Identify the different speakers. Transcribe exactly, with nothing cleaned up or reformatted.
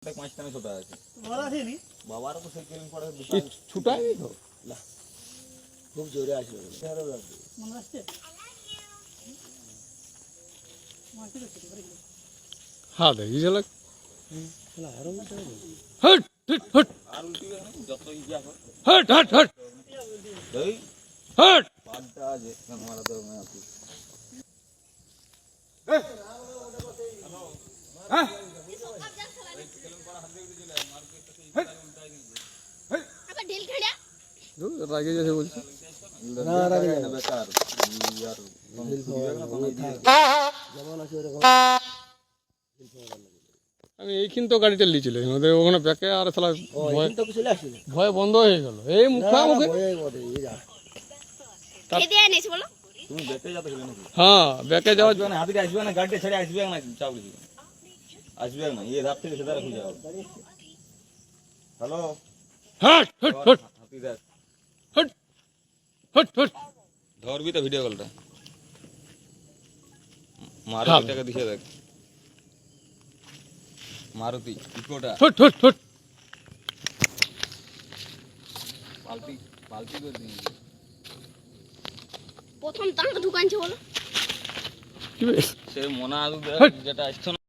Speaker 1: পাঁচটা ছোট আছে
Speaker 2: বড় আছে নি
Speaker 1: বাবার তো সেই কেলিং পড়ে
Speaker 3: ছুটাই তো
Speaker 1: না খুব জোরে আসবে
Speaker 2: মনে আসছে মাটি তো ছোট করে
Speaker 3: হ্যাঁ দেখি চলে
Speaker 2: খেলা আরো
Speaker 3: হট হট হট
Speaker 1: আর উল্টি গেল যত ইয়া হয়
Speaker 3: হট হট হট
Speaker 1: এই
Speaker 3: হট
Speaker 1: পাঁচটা আছে মারা তো না আপনি
Speaker 3: হ্যাঁ
Speaker 4: আবার ঢিল খেলা
Speaker 3: রাগে যাচ্ছে বলছে
Speaker 1: না রাগে না বেকার ইয়ার যেমন আছে এরকম
Speaker 3: আমি এইখান তো গাড়িটা লিয়েছিল ওদের ওখানে ব্যাকে আর শালা ভয়
Speaker 1: তো চলে আসলে
Speaker 3: ভয় বন্ধ হয়ে গেল এই মুখা মুখে
Speaker 4: কে দিয়ে এনেছে বলো
Speaker 1: তুমি বেতে যাতে গেলে নাকি
Speaker 3: হ্যাঁ ব্যাকে যাওয়ার
Speaker 1: আসবে না হাতে আসবে না গাড়িতে ছেড়ে আসবে না চাউল আসবে না এই রাত থেকে সেটা খুঁজে যাও হ্যালো
Speaker 3: হট হট হট
Speaker 1: হাতি দেখ
Speaker 3: হট হট হট
Speaker 1: ধরবি তো ভিডিও কলটা
Speaker 3: হ্যাঁ।
Speaker 1: মারুতিটাকে দিছে দেখ মারুতি ইকোটা
Speaker 3: হট হট হট
Speaker 1: পাল্টি পাল্টি করে দিন
Speaker 4: প্রথম তাঙ্ক ঢুকানছে বলো
Speaker 3: কি বে-
Speaker 1: সে মনা আলু যেটা আসছে